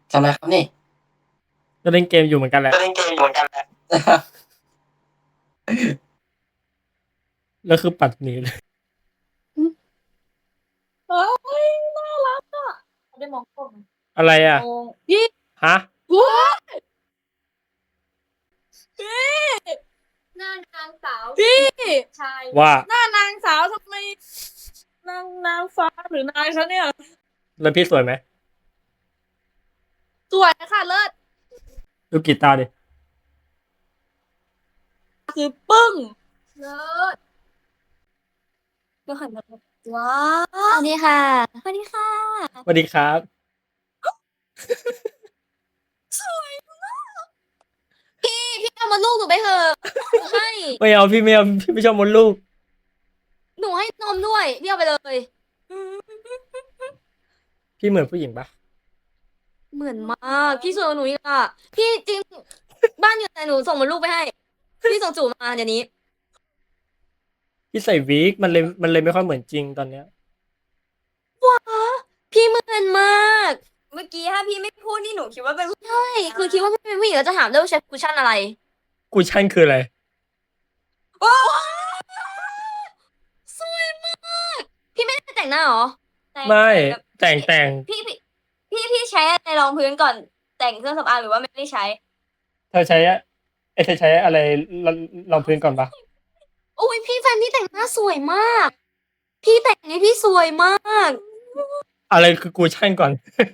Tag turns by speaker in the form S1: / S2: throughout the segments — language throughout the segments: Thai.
S1: ทำอะไรครับนี่
S2: ก็เล่นเกมอยู่เหมือนกันแหละ
S1: ก็เล่นเกมอยู่เหมือนกันแหละ
S2: แล้วคือปัดหนีเลย
S3: เฮ้ยน่ารักอ่ะได้มองกล้อง
S2: อะไรอ่ะ
S3: มองพี่
S2: ฮะ
S3: ว้ายพี่หน้านางสาวพี่ชาย
S2: ว่า
S3: หน้านางสาวทำไมนางฟ้าหรือนายคะเนี่ย
S2: แล้วพี่สวยไหม
S3: สวยค่ะเลิศ
S2: ดูกีตาร์ดิ
S3: คือปึ้งเลิศก็หันมาว้าวสวัสดีค่ะสวัสดีค่ะ
S2: สวัสดีครับ
S3: สวยมากพี่เอามาลูกหนูไปเถอะหนูให้
S2: ไม่เอาพี่ไม่เอาพี่ไม่ชอบมดลูก
S3: หนูให้นมด้วยพี่เอาไปเลย
S2: พี่เหมือนผู้หญิงปะ
S3: เหมือนมากพี่สวยกว่าหนูอีกอ่ะพี่จริงบ้านอยู่ไหนหนูส่งมาลูกไปให้พี่ส่งจูบมาเดี๋ยวนี้
S2: พี่ใส่วิกมันเลยไม่ค่อยเหมือนจริงตอนเนี้ย
S3: ว้าพี่เหมือนมาก
S4: เมื่อกี้ถ้าพี่ไม่พูดนี่หนูคิดว่าเป็น
S3: ใช่คือคิดว่าพี่เป็นผู้หญิงแล้วจะถามด้วยว่าใช้คุชชั่นอะไร
S2: กูชั่นคืออะไร
S3: ว้าวสวยมากพี่ไม่ได้แต่งหน้าเหรอ
S2: ไม่แต่ง
S4: พี่ใช้อะไรรองพื้นก่อนแต่งเครื่องสำอางหรือว่าไม่ได้ใช้
S2: เธอใช้เธอใช้อะไรรองพื้นก่อนปะ
S3: โอ้ยพี่แฟนพี่แต่งหน้าสวยมาก พี่แต่งให้พี่สวยมาก
S2: อะไรคือกูชั่นก่อน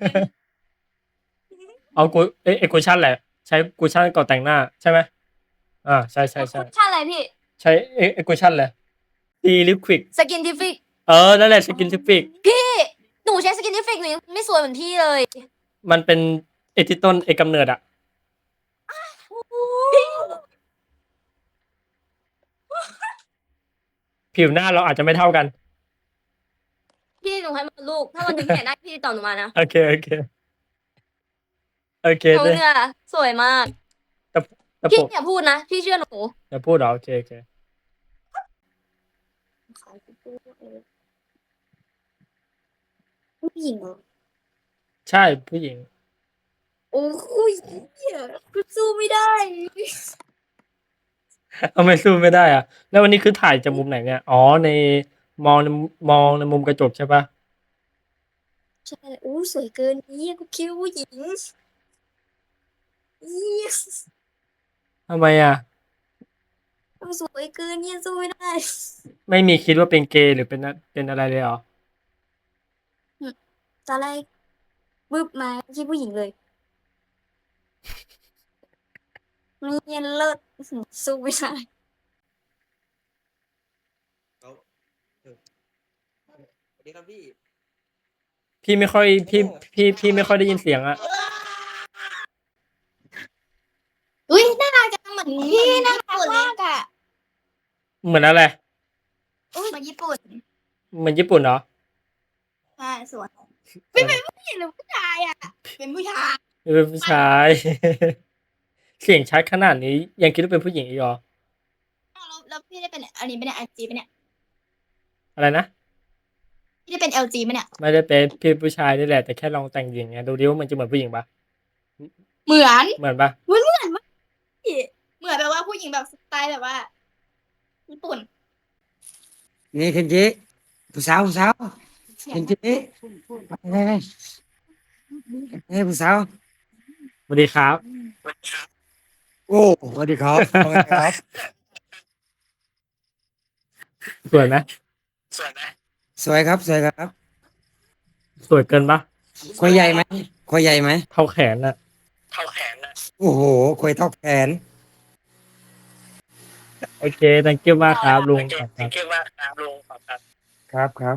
S2: เอากูไอ้กูชั่นแหละ ใช้กูชั่นก่อนแต่งหน้าใช่ไหมใช่
S4: คุชชั่นอะไรพี่
S2: ใช้ไอ้กูชั่นแหละดีลิควิก
S3: สกินทิฟิก
S2: นั่นแหละสกินทิฟิก
S3: พี่หนูใช้สกินทิฟิกหนูยังไม่สวยเหมือนพี่เลย
S2: มันเป็นไอ้ที่ต้นไอ้กำเนิดอะผิวหน้าเราอาจจะไม่เท่ากัน
S3: พี่หนูให้มาลูก ถ้าวันหนึงพี่อยากได้พี่ติดต่อหนูมานะ
S2: โอเคโอเค
S3: หนู
S2: ได้
S3: เนี่ยสวยมาก
S2: แต่
S3: พี่
S2: ผม
S3: อย่าพูดนะ พี่เชื่อหนู
S2: อย่าพูดเหรอโอเค
S3: ผู้หญิงเหรอ
S2: ใช่ผู้หญิง
S3: โอ้ยเหี้ยกูสู้ไม่ได้
S2: ทำไมสู้ไม่ได้อะแล้ววันนี้คือถ่ายจากมุมไหนเนี่ยอ๋อในมองในมุมกระจกใช่ปะ
S3: ใช่โอ้สวยเกินนี่กูคิดว่าผู้หญิงยี่
S2: ทำไมอะ
S3: สวยเกินเนี่ยสู้ไม่ได้
S2: ไม่มีคิดว่าเป็นเกย์หรือเป็นอะไรเลยเหรอ
S3: ตอนแรกบึ้บมาคิดผู้หญิงเลยเนี่ยเลิศสู้ไม่ได้
S1: สวัสดีครับพี่
S2: พี่ไม่ค่อยพี่ไม่ค่อยได้ยินเสียงอะ
S3: อุ้ยน่ารักจังเหมือนพี่น่ารักมากอ่ะ
S2: เหมือนอะไร
S3: อุ้ยเหมือนญี่ปุ่น
S2: เหมือนญี่ปุ่นเหรอ
S3: ใช่สวยไม่เป็นผู้หญิงหรือผู้ชายอ่ะเป็นผู้ชาย
S2: เป็นผู้ชาย เสียงชัดขนาดนี้ยังคิดว่าเป็นผู้หญิงอีกเหรอ
S3: แล้วพี่ได้เป็นอันนี้เป็น LG ปะเนี่ย
S2: อะไรนะ
S3: พี่ได้เป็น LG ปะเนี่ย
S2: ไม่ได้เป็นพี่ผู้ชายนี่แหละแต่แค่ลองแต่งหญิงไงดูดิว่ามันจะเหมือนผู้หญิงปะ
S3: เหมือน
S2: เหมือนปะ
S3: เหมือนมากพี่เหมือนแบบว่าผู้หญิงแบบสไตล์แบบว่าญี่ปุ่น
S5: นี่เคนจิผู้สาวเคนจิเฮ้ยผู้สาว
S2: สวัสดีครับ
S5: โอ้สวัสดีครับว่าไงครับ
S2: สวยไหม
S5: สวยครับสวยครับ
S2: สวยเกินปะ
S5: ควยใหญ่ไหมควยใหญ่ไหม
S2: เท่าแขนอะ
S5: โอ้โหควยเท่าแขน
S2: โอเค thank you มากครับลุงครับ
S5: ครับ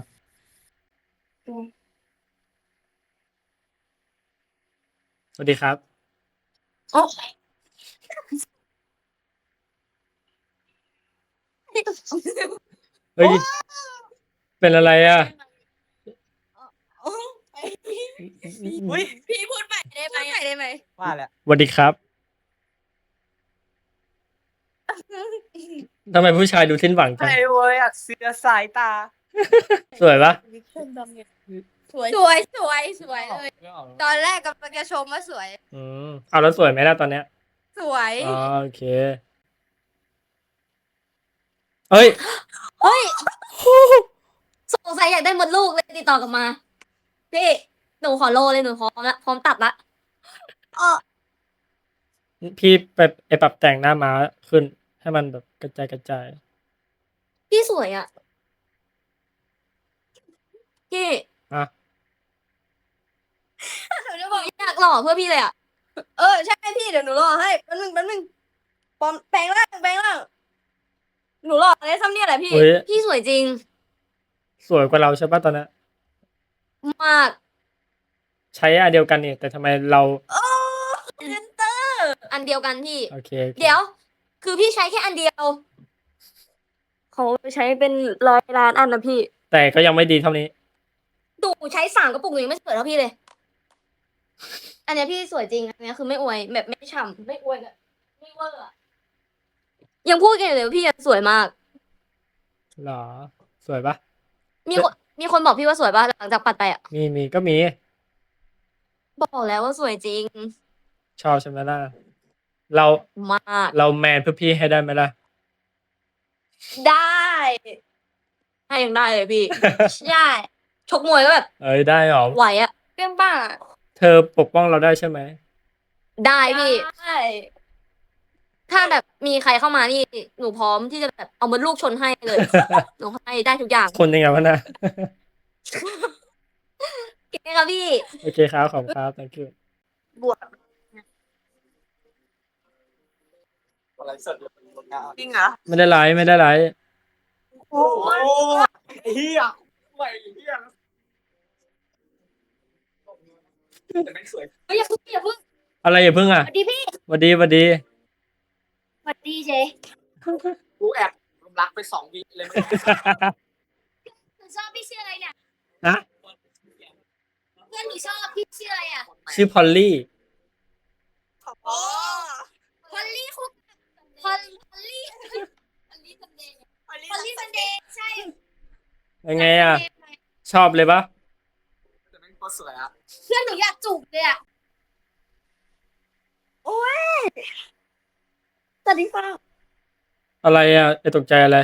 S2: สวัสดีครับ
S3: โอ้
S2: เฮ้ยเป็นอะไรอะ
S4: พี่พูดใหม่ได้ไหม
S5: ว่าแล้ว
S2: สวัสดีครับทำไมผู้ชายดูสิ้นหวังจัง
S4: ไอ้เว้ยอยากเสือสายตา
S2: สวยปะ
S4: สวยเลย ตอนแรกกำลังจะชมว่าสวย
S2: เอาแล้วสวยไหมล่ะตอนเนี้ย
S4: สวย
S2: อ๋อโอเคเอ้ย
S3: เฮ้ยสงสัยอยากได้มดลูกเลยติดต่อกลับมา พี่หนูขอโลเลยหนูพร้อมละพร้อมตัดละ
S2: พี่ไปปรับแต่งหน้าม้าขึ้น ให้มันแบบกระจาย
S3: พี่สวยอ่ะพี่
S2: อ่ะ
S4: หนูจะบอก
S3: อยากหล่อเพื่อพี่เลยอ่ะ
S4: ใช่พี่เดี๋ยวหนูรอให้แป๊บนึงปลอมแปลงร่างหนูรออะไรซ้ำเนี่ยแหละพี่
S2: เฮ้ย
S3: พี่สวยจริง
S2: สวยกว่าเราใช่ปะตอนนั้น
S3: มาก
S2: ใช้อันเดียวกันนี่แต่ทำไมเรา
S3: อันเดียวกันพี่
S2: โอเค
S3: เดี๋ยว คือพี่ใช้แค่อันเดียวเขาใช้เป็น100 ล้านอันนะพี่
S2: แต่ก็ยังไม่ดีเท่านี้
S3: ดูใช้3 กระปุกหนูยังไม่สวยเท่าพี่เลย อันเนี้ยพี่สวยจริง อันเนี้ยคือไม่อวยแบบไม่ฉ่ำไม่อวยแบบไม่เวอร์อะยังพูดกันอยู่เลยว่าพี่ยังสวยมาก
S2: หรอ สวยปะ
S3: มีคนบอกพี่ว่าสวยป่ะหลังจากปัดไปอ่ะ
S2: มีก็มี
S3: บอกแล้วว่าสวยจริง
S2: ชอบใช่ไหมล่ะ เรา
S3: มาก
S2: เราแมนเพื่อพี่ให้ได้ไหมล่ะ
S4: ได้
S3: ให้ยังได้เลยพี่
S4: ใช่
S3: ชกมวยก็แบบ
S2: เอ้ยได้หรอ
S3: ไหวอ่ะ
S4: เปรี้ยงป้างอะ
S2: เธอปกป้องเราได้ใช่ไหม
S3: ได้พี่
S4: ได้
S3: ถ้าแบบมีใครเข้ามานี่หนูพร้อมที่จะแบบเอามดลูกชนให้เลย หนูให้ได้ทุกอย่าง
S2: คนยังไงวะนะ
S3: เก่งครับพี่
S2: โอเคครับ ขอบคุณครับ thank you
S4: บวก
S1: อะไรสดอยู่บนงาน
S4: จริงเหรอ
S2: ไม่ได้ไลฟ์ไม่ได้ไลฟ์
S1: โอ้ยไอ้เหี้ยไหวไอ้เหี้ยแต่ไม่สวย
S3: เฮ้ยอย่าเพิ่งอย่าเพิ่ง
S2: อะไรอย่าเพิ่งอ่ะ
S3: สวัสดีพี่
S2: หวัดดีหวัดดี
S3: สวัสดีเจ
S1: กูแอบรักไป2 วิเลย
S3: หนูชอบพี่ชื่ออะไรเนี่ย
S2: นะ
S3: เพื่อนหนูชอบพี่ชื่ออะไรอ่ะ
S2: ชื่อพอลลี่
S4: อ๋อ
S3: พอลลี่คุกพอลลี่พอลลี่ซันเดย์พอลลี่ซันเดย์ใช่
S2: ยังไงอ่ะ ชอบเลยปะ
S1: แต่แม่งก็สวยอ่ะ
S3: เพื่อนหนูอยากจูบเลยอ่ะ
S4: สวัสดีค่ะ
S2: อะไรอ่ะไอตกใจอะไร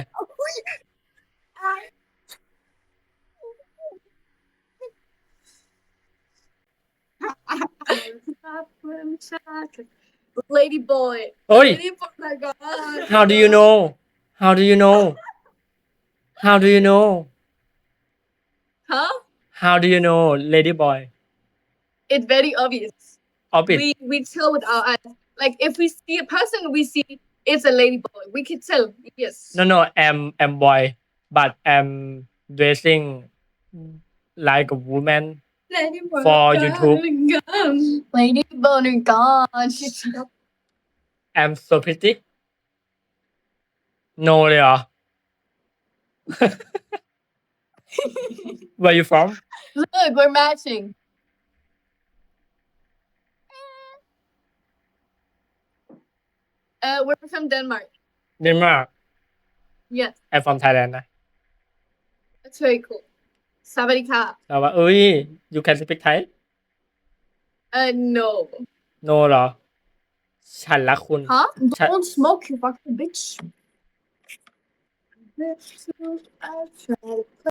S4: Lady boy
S2: เอ้ย
S4: Lady boy my god
S2: how do you know how do you know how do you know
S4: huh
S2: how do you know lady boy
S4: it's very obvious
S2: orbit
S4: we tell with our eyes like if we see a person we see it's a lady boy we can tell yes
S2: no I'm boy but I'm dressing like a woman
S4: Lady boy
S2: for YouTube
S4: Lady boy god
S2: I'm so pretty no เลยเหรอ where you from
S4: look we're matching we're from Denmark
S2: Denmark
S4: yes
S2: I'm from Thailand นะ
S4: that's very cool สวัสดีค่ะ
S2: แต่ว่าเอ้ย you can speak Thai
S4: no
S2: no เหรอ ฉันรักคุณ
S4: huh
S2: Ch-
S4: don't smoke you fucking bitch